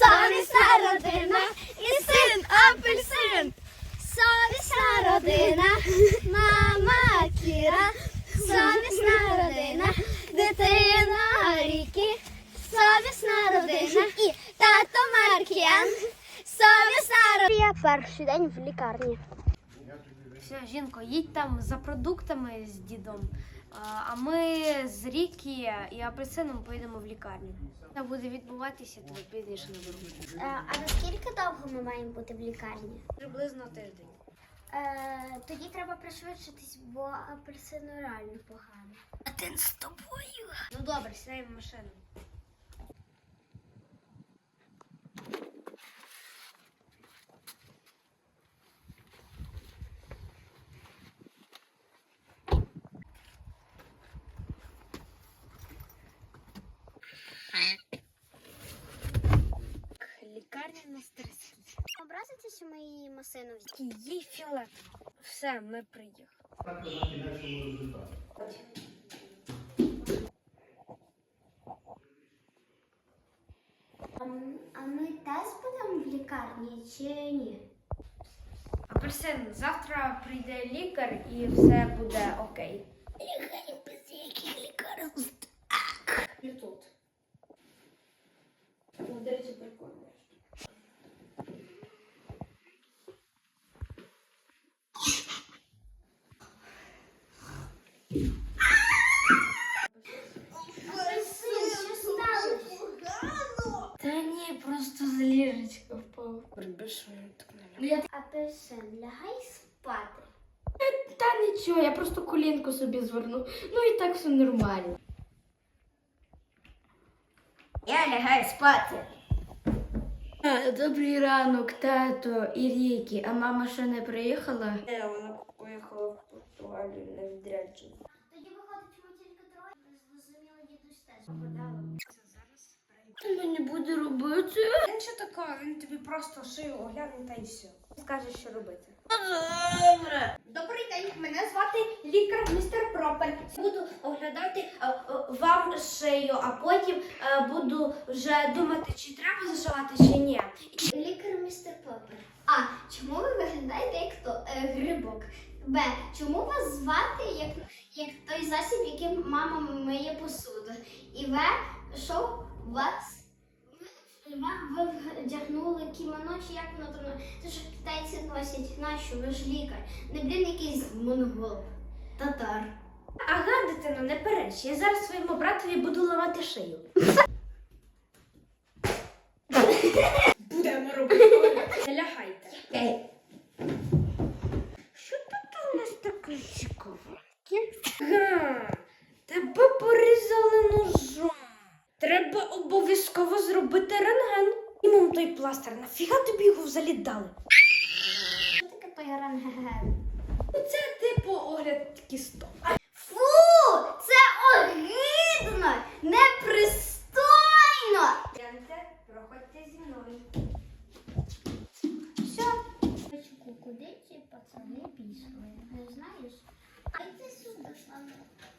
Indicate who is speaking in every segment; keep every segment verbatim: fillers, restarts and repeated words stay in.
Speaker 1: Совісна родина і син апельсин. Совісна родина, мама Кіра. Совісна родина, дитина Рікі. Совісна родина і тато Маркіян. Совісна родина. Перший день в лікарні.
Speaker 2: Все, жінко, їдь там за продуктами з дідом, а ми з Рікі і апельсином поїдемо в лікарню. Це буде відбуватися, то підеш на дорогу.
Speaker 1: А наскільки довго ми маємо бути в лікарні?
Speaker 2: Приблизно тиждень.
Speaker 1: Е, тоді треба пришвидшитись, бо апельсину реально погано. Один з тобою.
Speaker 2: Ну добре, сідаємо в машину. Лікарня на стресі.
Speaker 1: Образиться, що ми її масину взяли?
Speaker 2: Їй фіолетово. Все, ми приїхали.
Speaker 1: А, а ми теж будемо в лікарні чи ні?
Speaker 2: Апельсин, завтра прийде лікар і все буде окей.
Speaker 1: Лікарі без яких лікарів?
Speaker 2: І тут. Ну, до речі, прикольно.
Speaker 1: Що сталося?
Speaker 2: Та ні, просто з ліжечка впав. Прибіжу, так не ляг.
Speaker 1: Апельсин, лягай спати.
Speaker 2: Та нічого, я просто колінку собі зверну. Ну і так все нормально.
Speaker 1: Я лягаю спати.
Speaker 2: Добрий ранок, тато і Рікі. А мама ще не приїхала?
Speaker 3: Не, вона поїхала в Португалію на відрядження.
Speaker 1: Тоді виходить, ми тільки троє. Зрозуміло, дідусь теж подала.
Speaker 2: Що мені буде робити?
Speaker 3: Він що такого, він тобі просто шию огляне та й все. Скаже, що робити.
Speaker 2: Добре.
Speaker 3: Добрий день, мене звати лікар містер Пропер. Буду оглядати а, а, вам шию, а потім а, буду вже думати, чи треба зашивати, чи ні.
Speaker 1: Лікар містер Поппер. А. Чому ви виглядаєте як то е, грибок? Б. Чому вас звати як, як той засіб, яким мама миє посуду? І В. Що вас? Ви вдягнули кімоно, чи як воно там? Це ж китайці носять. Нащо? Ви ж лікар. Не блін якийсь монгол. Татар.
Speaker 3: Ага, дитино, не переч. Я зараз своєму братові буду ламати шию. Будемо робити. Не лягайте. Що тут у нас таке цікаве? Га, тебе порізали ножом. Треба обов'язково зробити рентген. І мам той пластир, нафіга тобі його взагалі дали?
Speaker 1: Що таке той рентген?
Speaker 3: Це типу огляд кісток.
Speaker 1: Фу! Це огидно! Непристойно!
Speaker 3: Гляньте, проходьте зі мною.
Speaker 1: Все. Куди ці пацани пішли? Не знаєш? А йди сюди, Слава.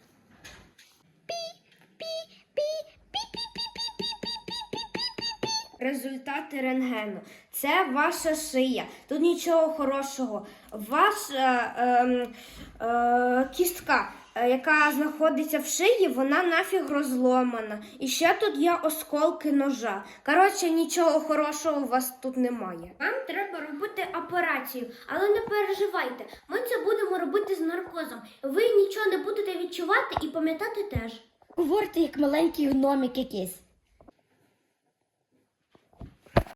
Speaker 3: Результати рентгену. Це ваша шия. Тут нічого хорошого. Ваша е, е, е, кістка, е, яка знаходиться в шиї, вона нафіг розломана. І ще тут є осколки ножа. Коротше, нічого хорошого у вас тут немає. Вам треба робити операцію, але не переживайте. Ми це будемо робити з наркозом. Ви нічого не будете відчувати і пам'ятати теж.
Speaker 2: Говорите, як маленький гномик якийсь.